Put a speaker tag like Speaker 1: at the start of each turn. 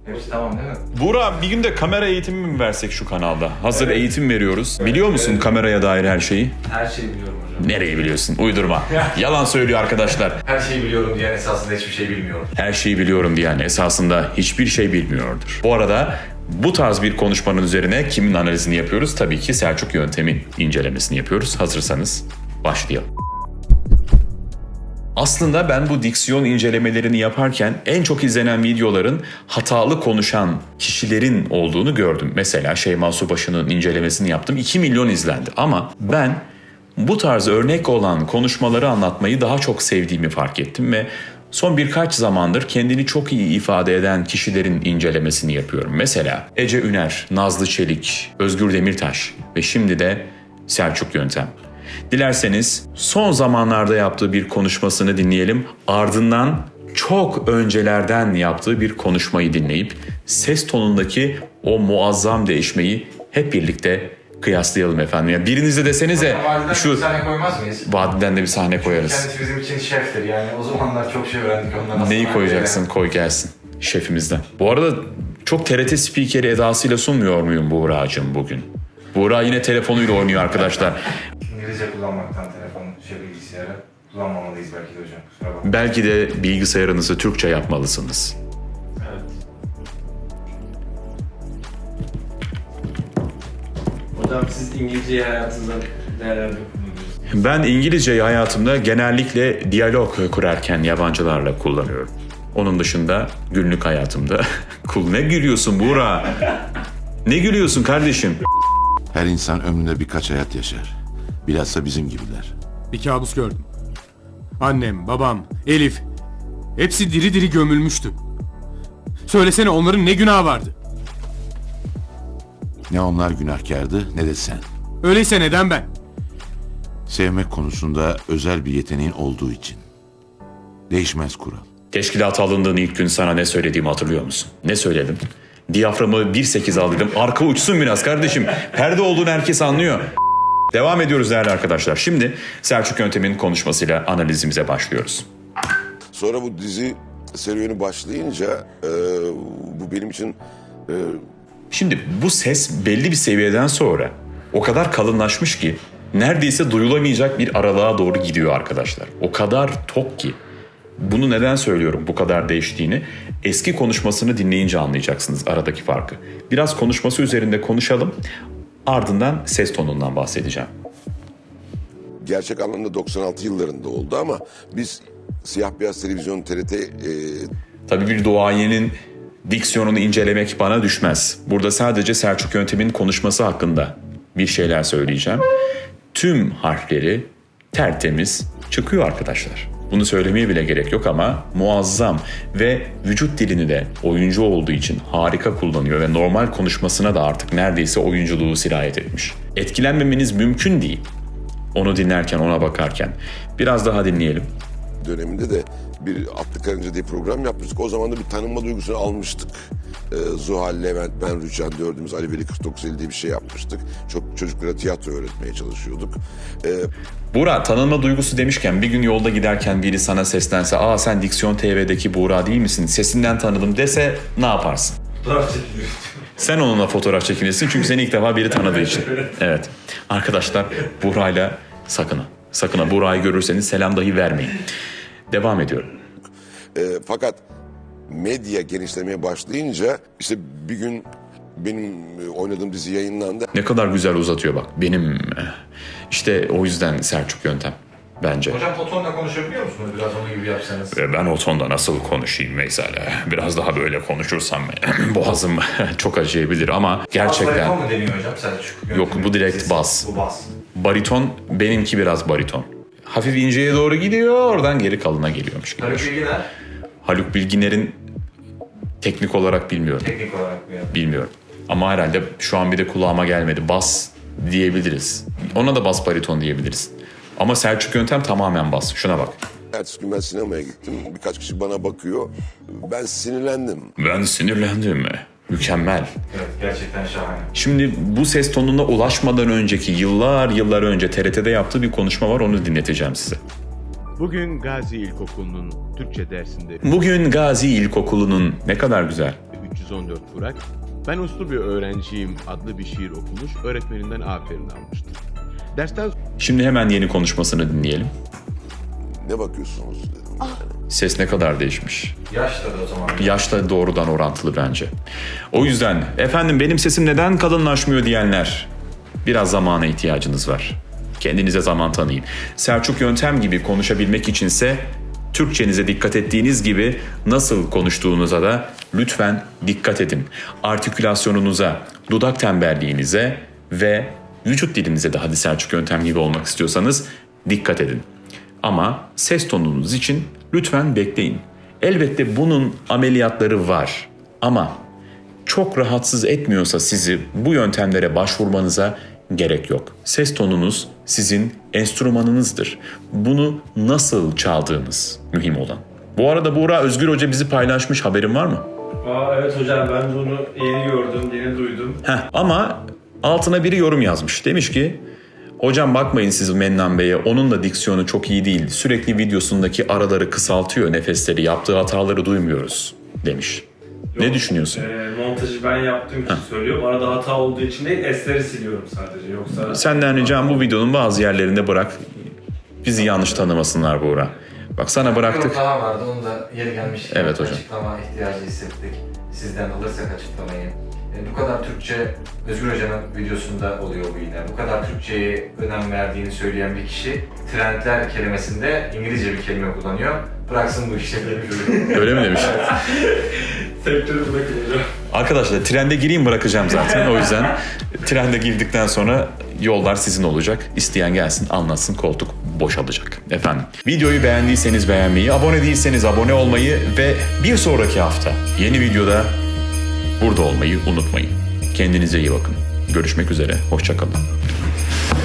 Speaker 1: Hepsi tamam değil mi?
Speaker 2: Buğra, bir gün de kamera eğitimi mi versek şu kanalda? Hazır eğitim veriyoruz. Biliyor musun kameraya dair her şeyi?
Speaker 1: Her şeyi biliyorum hocam.
Speaker 2: Nereyi biliyorsun? Uydurma. Yalan söylüyor arkadaşlar.
Speaker 1: Her şeyi biliyorum diyen esasında hiçbir şey bilmiyorum.
Speaker 2: Her şeyi biliyorum diyen esasında hiçbir şey bilmiyordur. Bu arada bu tarz bir konuşmanın üzerine kimin analizini yapıyoruz? Tabii ki Selçuk Yöntem'in incelemesini yapıyoruz. Hazırsanız başlayalım. Aslında ben bu diksiyon incelemelerini yaparken en çok izlenen videoların hatalı konuşan kişilerin olduğunu gördüm. Mesela Şeyma Subaşı'nın incelemesini yaptım. 2 milyon izlendi. Ama ben bu tarz örnek olan konuşmaları anlatmayı daha çok sevdiğimi fark ettim ve son birkaç zamandır kendini çok iyi ifade eden kişilerin incelemesini yapıyorum. Mesela Ece Üner, Nazlı Çelik, Özgür Demirtaş ve şimdi de Selçuk Yöntem. Dilerseniz son zamanlarda yaptığı bir konuşmasını dinleyelim. Ardından çok öncelerden yaptığı bir konuşmayı dinleyip ses tonundaki o muazzam değişmeyi hep birlikte kıyaslayalım efendim. Ya biriniz de desenize
Speaker 1: Vadiden
Speaker 2: şu
Speaker 1: bir sahne koymaz mıyız?
Speaker 2: vadiden de bir sahne koyarız.
Speaker 1: Kendisi bizim için şeftir yani. O zamanlar çok şey öğrendik ondan. Aslında
Speaker 2: Neyi koyacaksın? Koy gelsin şefimizden. Bu arada çok TRT spikeri edasıyla sunmuyor muyum Buğra'cığım bugün? Buğra yine telefonuyla oynuyor arkadaşlar.
Speaker 1: İngilizce kullanmaktan telefon, bilgisayarı kullanmamalıyız belki de hocam. Kusura bakmayın.
Speaker 2: Belki de bilgisayarınızı Türkçe yapmalısınız.
Speaker 1: Evet.
Speaker 3: Hocam siz İngilizceyi hayatınızda neler kullanıyorsunuz?
Speaker 2: Ben İngilizceyi hayatımda genellikle diyalog kurarken yabancılarla kullanıyorum. Onun dışında günlük hayatımda... Ne gülüyorsun Buğra? Ne gülüyorsun kardeşim?
Speaker 4: Her insan ömründe birkaç hayat yaşar. Bilhassa bizim gibiler.
Speaker 5: Bir kabus gördüm. Annem, babam, Elif. Hepsi diri diri gömülmüştü. Söylesene onların ne günahı vardı?
Speaker 4: Ne onlar günahkardı ne de sen.
Speaker 5: Öyleyse neden ben?
Speaker 4: Sevmek konusunda özel bir yeteneğin olduğu için. Değişmez kural.
Speaker 2: Teşkilata alındığın ilk gün sana ne söylediğimi hatırlıyor musun? Ne söyledim? Diyaframı 1.8 al dedim. Arka uçsun biraz kardeşim. Perde olduğunu herkes anlıyor. Devam ediyoruz değerli arkadaşlar. Şimdi Selçuk Yöntem'in konuşmasıyla analizimize başlıyoruz.
Speaker 6: Sonra bu dizi serüveni başlayınca bu benim için
Speaker 2: Şimdi bu ses belli bir seviyeden sonra o kadar kalınlaşmış ki neredeyse duyulamayacak bir aralığa doğru gidiyor arkadaşlar. O kadar tok ki. Bunu neden söylüyorum bu kadar değiştiğini? Eski konuşmasını dinleyince anlayacaksınız aradaki farkı. Biraz konuşması üzerinde konuşalım. Ardından ses tonundan bahsedeceğim.
Speaker 6: gerçek anlamda 96 yıllarında oldu ama biz siyah beyaz televizyon TRT
Speaker 2: Tabii bir duayenin diksiyonunu incelemek bana düşmez. Burada sadece Selçuk Yöntem'in konuşması hakkında bir şeyler söyleyeceğim. Tüm harfleri tertemiz çıkıyor arkadaşlar. Bunu söylemeye bile gerek yok ama muazzam ve vücut dilini de oyuncu olduğu için harika kullanıyor ve normal konuşmasına da artık neredeyse oyunculuğu sirayet etmiş. Etkilenmemeniz mümkün değil. Onu dinlerken, ona bakarken. Biraz daha dinleyelim.
Speaker 6: döneminde de bir Atlı Karınca diye program yapmıştık. O zaman da bir tanınma duygusunu almıştık. Zuhal, Levent, ben, Rüçhan dördümüz Ali Veli 4950 diye bir şey yapmıştık. Çok çocuklara tiyatro öğretmeye çalışıyorduk.
Speaker 2: Buğra, tanınma duygusu demişken bir gün yolda giderken biri sana seslense "Aa sen Diksiyon TV'deki Buğra değil misin? Sesinden tanıdım" dese ne yaparsın?
Speaker 1: Fotoğraf çekiliyor.
Speaker 2: Sen onunla fotoğraf çekinirsin çünkü seni ilk defa biri tanıdığı için. Evet. Arkadaşlar Buğra'yla sakın ha Buğra'yı görürseniz selam dahi vermeyin. Devam ediyorum.
Speaker 6: Fakat medya genişlemeye başlayınca işte bir gün benim oynadığım dizi yayınlandı.
Speaker 2: Ne kadar güzel uzatıyor bak. Benim işte o yüzden Selçuk Yöntem bence.
Speaker 1: Hocam o tonla konuşabiliyor musunuz? Biraz onun gibi yapsanız.
Speaker 2: Ben o tonda nasıl konuşayım mesela? Biraz daha böyle konuşursam boğazım çok acıyabilir ama
Speaker 1: Bas
Speaker 2: gerçekten...
Speaker 1: bariton mu deniyor hocam Selçuk?
Speaker 2: Yok, bu direkt bas.
Speaker 1: Bu bas.
Speaker 2: Bariton, benimki biraz bariton. Hafif inceye doğru gidiyor, oradan geri kalına geliyormuş gibi.
Speaker 1: Haluk Bilginer
Speaker 2: Haluk Bilginer'in teknik olarak bilmiyorum.
Speaker 1: teknik olarak bir yapı.
Speaker 2: Bilmiyorum. Ama herhalde şu an bir de kulağıma gelmedi. Bas diyebiliriz. Ona da bas bariton diyebiliriz. Ama Selçuk Yöntem tamamen bas. Şuna bak.
Speaker 6: Ertesi gün ben sinemaya gittim. Birkaç kişi bana bakıyor. Ben sinirlendim.
Speaker 2: Ben sinirlendim. Mükemmel.
Speaker 1: Evet gerçekten şahane.
Speaker 2: Şimdi bu ses tonuna ulaşmadan önceki yıllar önce TRT'de yaptığı bir konuşma var. Onu dinleteceğim size.
Speaker 7: Bugün Gazi İlkokulu'nun Türkçe dersinde
Speaker 2: Bugün Gazi İlkokulu'nun ne kadar güzel.
Speaker 7: 314 Burak, "Ben uslu bir öğrenciyim" adlı bir şiir okumuş, öğretmeninden aferin almıştı. Dersten
Speaker 2: Şimdi hemen yeni konuşmasını dinleyelim.
Speaker 6: Ne bakıyorsunuz dedim.
Speaker 2: Ses ne kadar değişmiş.
Speaker 1: Yaşla da o zaman.
Speaker 2: Yaşla doğrudan orantılı bence. O yüzden efendim benim sesim neden kalınlaşmıyor diyenler, biraz zamana ihtiyacınız var. Kendinize zaman tanıyın. Selçuk Yöntem gibi konuşabilmek içinse Türkçenize dikkat ettiğiniz gibi nasıl konuştuğunuza da lütfen dikkat edin. Artikülasyonunuza, dudak tembelliğinize ve vücut dilinize de, hadi Selçuk Yöntem gibi olmak istiyorsanız, dikkat edin. Ama ses tonunuz için lütfen bekleyin. Elbette bunun ameliyatları var ama çok rahatsız etmiyorsa sizi bu yöntemlere başvurmanıza gerek yok. Ses tonunuz sizin enstrümanınızdır. Bunu nasıl çaldığınız mühim olan. Bu arada Buğra Özgür Hoca bizi paylaşmış, haberin var mı?
Speaker 3: Evet hocam, ben de onu yeni gördüm, yeni duydum.
Speaker 2: Ama altına biri yorum yazmış. Demiş ki, hocam bakmayın siz Mennan Bey'e, onun da diksiyonu çok iyi değil. Sürekli videosundaki araları kısaltıyor, nefesleri, yaptığı hataları duymuyoruz demiş. Ne düşünüyorsun?
Speaker 3: Montajı ben yaptığım için söylüyorum. Arada hata olduğu için değil, esleri siliyorum sadece. Yoksa...
Speaker 2: Senden ricam bu videonun bazı yerlerinde bırak. Bizi yanlış tanımasınlar Buğra. Bak sana bıraktık.
Speaker 1: Bir daha vardı, onu da yeri gelmiş.
Speaker 2: Evet hocam.
Speaker 1: Açıklama ihtiyacı hissettik. Sizden alırsak açıklamayı. Bu kadar Türkçe, Özgür Hoca'nın videosunda oluyor bu yine. Bu kadar Türkçe'ye önem verdiğini söyleyen bir kişi, trendler kelimesinde İngilizce bir kelime kullanıyor. Bıraksın bu işleri.
Speaker 2: Öyle mi demiş?
Speaker 3: Sektörü bırakın hocam.
Speaker 2: Arkadaşlar trende gireyim, bırakacağım zaten. O yüzden trende girdikten sonra yollar sizin olacak. İsteyen gelsin, anlatsın, koltuk boşalacak. Efendim, videoyu beğendiyseniz beğenmeyi, abone değilseniz abone olmayı ve bir sonraki hafta yeni videoda burada olmayı unutmayın. Kendinize iyi bakın. Görüşmek üzere, hoşça kalın.